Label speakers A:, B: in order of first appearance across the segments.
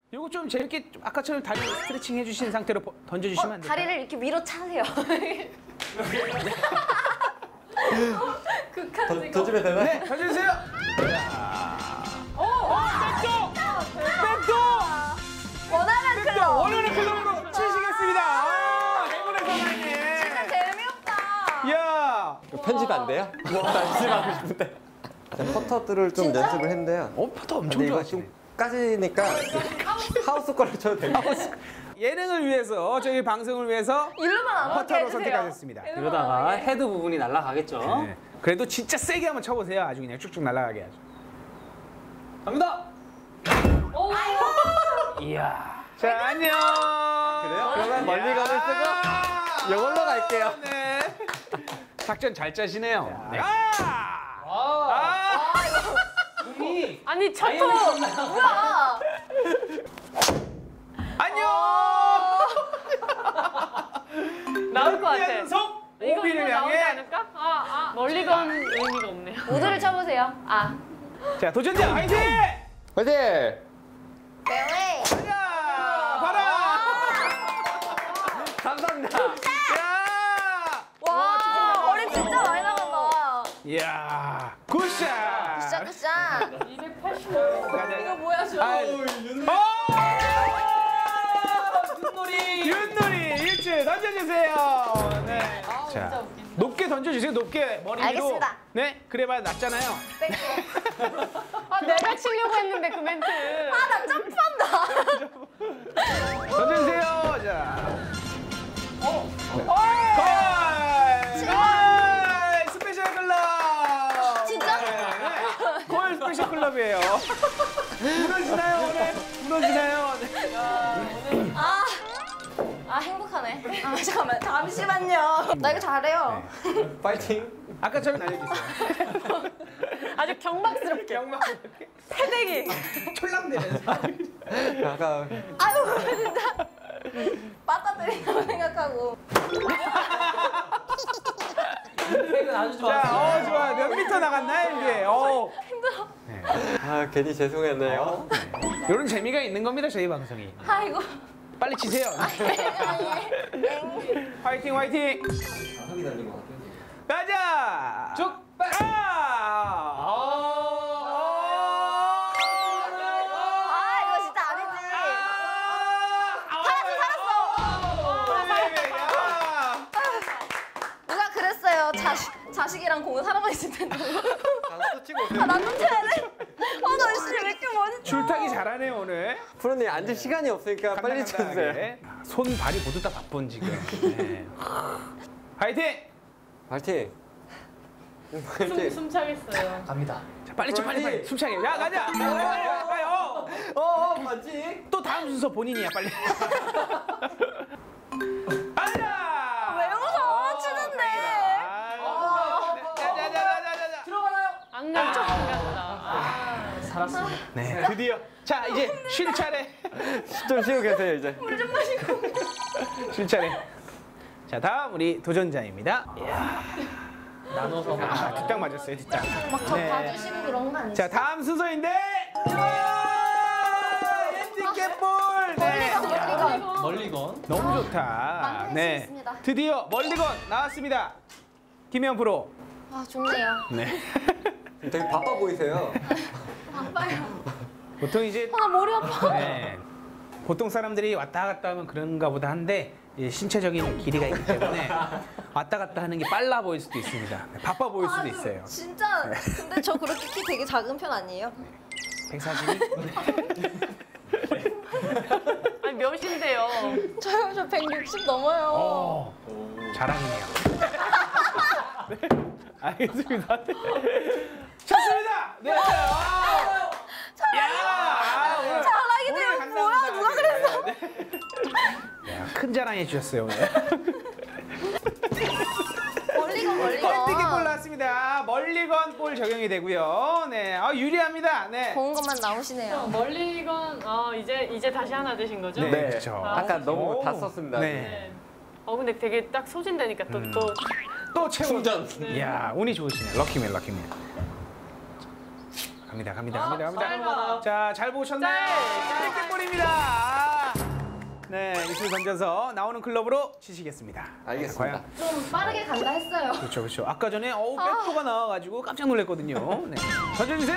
A: 요거 좀 재밌게 아까처럼 다리 스트레칭 해주신 상태로 던져주시면 안 될까요?
B: 다리를 이렇게 위로 차세요. 극한적이고.
C: 던지면 되나요?
A: 네, 던져주세요. 백도!
B: 원하는
A: 백도!
B: 클럽.
A: 원하는 클럽으로 치시겠습니다. 행운의 사나이님.
B: 진짜 재미없다.
A: 이야.
C: 편집 안 돼요? 편집하고 싶은데. 퍼터들을 좀
B: 진짜?
C: 연습을 했는데요.
A: 퍼터 엄청
C: 근데 이거
A: 좋아하시네.
C: 좀 까지니까 하우스 거를 쳐도 됩니다.
A: 예능을 위해서, 저희 방송을 위해서
B: 일로만 안 맞게
A: 퍼터로
B: 해주세요.
A: 선택하셨습니다.
D: 이러다가 헤드 부분이 날아가겠죠.
A: 네. 그래도 진짜 세게 한번 쳐보세요. 아주 그냥 쭉쭉 날아가게 하죠.
D: 갑니다.
A: 이야. 자, 안녕.
C: 그래요? 그러면 멀리 가는 쓰고 이걸로 갈게요.
A: 네. 작전 잘 짜시네요. 네.
D: 몸이
B: 아니 첫토 뭐야?
A: 안녕.
E: 나올 것 같아.
A: 연속
E: 이거
A: 오비를
E: 나오지
A: 향해.
E: 않을까? 멀리 건 의미가 없네요.
B: 모두를 쳐보세요. 아.
A: 자, 도전자 화이팅!
C: 화이팅!
B: 네.
A: 가자. 봐라.
C: 감사합니다.
A: 야.
B: 와, 머리 진짜 많이 나간다.
A: 이야. 굿샷.
B: 굿샷 굿샷.
E: 280.
A: 가자.
B: 이거 뭐야 저?
A: 윷놀이 일주 던져주세요. 네. 자, 높게 던져주세요. 높게 머리 위로.
B: 알겠습니다.
A: 네, 그래봐야 낫잖아요.
E: 아, 내가 치려고 했는데 그 멘트.
B: 아나 점프한다.
A: 던져주세요. 자. 골! 골! 스페셜 클럽.
B: 진짜?
A: 네. 골 스페셜 클럽이에요. 무너지나요 오늘? 무너지나요? 네.
B: 아 행복하네. 아 잠깐만 잠시만요. 나 이거 잘해요.
C: 파이팅!
A: 아까처럼 날려주세요.
E: 아주 경박스럽게.
A: 경막
E: 패대기.
A: 촐랑대면서.
C: 아까
B: 아유 진짜 빠따들이라고 생각하고.
D: 팩은 아주
A: 자,
D: 좋았어요.
A: 좋아. 몇 미터 나갔나요 이게?
B: 힘들어.
C: 아 괜히 죄송했네요.
A: 이런 재미가 있는 겁니다 저희 방송이.
B: 아이고.
A: 빨리 치세요. 화이팅 화이팅.
C: 흙이 달린 것 같아요.
A: 가자.
D: 쭉.
B: 아 이거 진짜 아니지. 누가 그랬어요. 자식이랑 공은 하나만 있을 텐데.
C: 또 치고 오세요.
B: 아 나도 쳐야 돼. 아나 진짜 왜 이렇게 많이 쳐.
A: 줄타기 잘하네요 오늘.
C: 프로님 앉을 시간이 없으니까 빨리 쳐주세요.
A: 간단하게. 손 발이 모두 다 바쁜 지금. 네. 화이팅.
C: 파이팅!
E: 숨 차겠어요.
D: 갑니다.
A: 자, 빨리 쳐 빨리 숨차게. 야 가자. 가요.
C: 맞지?
A: 또 다음 순서 본인이야 빨리. 가자.
B: 왜 웃어? 치는데.
A: 자자자자자자.
D: 들어가나요?
E: 안 간다, 안 간다.
D: 살았습니다.
A: 네 드디어. 자 이제 쉴 차례.
C: 좀 쉬고 계세요 이제.
B: 물 좀 마시고.
A: 쉴 차례. 자 다음 우리 도전자입니다.
D: 나눠서
A: 아 뒷땅 맞았어요 뒷땅.
B: 막저
A: 네.
B: 봐주시고 그런 거 아니죠?
A: 자 다음 순서인데. 핸디캡볼. 네.
B: 멀리건.
D: 멀리건.
A: 너무 좋다.
B: 만들 수 있습니다.
A: 드디어 멀리건 나왔습니다. 김현 프로.
B: 아 좋네요.
A: 네.
C: 되게 바빠 보이세요.
B: 바빠요.
A: 보통 이제
B: 아 머리 아파.
A: 네. 보통 사람들이 왔다 갔다 하면 그런가 보다 한데 이제 신체적인 길이가 있기 때문에 왔다 갔다 하는 게 빨라 보일 수도 있습니다. 네, 바빠 보일 수도 있어요.
B: 진짜. 근데 저 그렇게 키 되게 작은 편 아니에요?
A: 142?
E: 아니, 몇인데요?
B: 저 160 넘어요.
A: 자랑이네요. 네, 알겠습니다. 네. 쳤습니다. 네.
B: 자랑이네요. 뭐야? 누가 그랬어?
A: 큰 자랑 해주셨어요 오늘.
B: 멀리건
A: 핸디캡볼 나왔습니다. 멀리건 볼 적용이 되고요. 네, 유리합니다. 네.
B: 좋은 것만 나오시네요.
E: 멀리건, 이제 다시 하나 되신 거죠?
A: 네,
C: 네.
A: 그렇죠.
C: 아까 너무
A: 오.
C: 다 썼습니다.
A: 네.
E: 네. 근데 되게 딱 소진되니까 또
A: 또 채워.
C: 충전.
A: 이야, 운이 좋으시네. 럭키맨, 럭키맨. 갑니다.
D: 짧아요.
A: 자, 잘 보셨나요? 땡볼입니다. 네, 이슬 던져서 나오는 클럽으로 치시겠습니다.
C: 알겠습니다.
A: 과연?
B: 좀 빠르게 간다 했어요.
A: 그렇죠. 아까 전에 백도가 나와가지고 깜짝 놀랐거든요. 네. 던져주세요.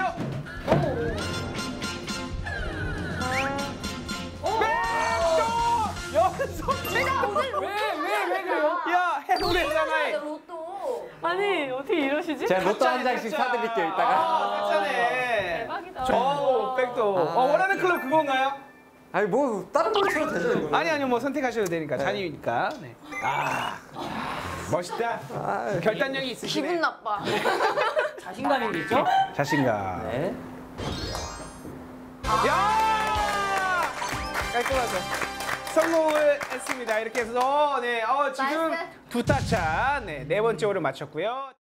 A: 백도! 연속
B: 내가 오늘
D: 왜 그래요?
A: 야, 해보랬잖아.
B: 로또.
E: 아니 어떻게 이러시지?
C: 제가 로또 한 장씩 사드릴게요, 이따가.
A: 깜짝네.
E: 대박이다.
A: 백도. 원하는 클럽 그건가요?
C: 아니, 뭐, 다른 걸로 쳐도 되죠, 이거.
A: 아니요, 뭐 선택하셔도 되니까 자유니까. 네. 멋있다. 결단력이 있으시네.
B: 기분 나빠.
D: 자신감 있죠?
A: 자신감.
C: 네.
A: 야! 깔끔하죠. 성공을 했습니다. 이렇게 해서 지금
B: 나이스.
A: 두 타차 네 번째 홀을 마쳤고요.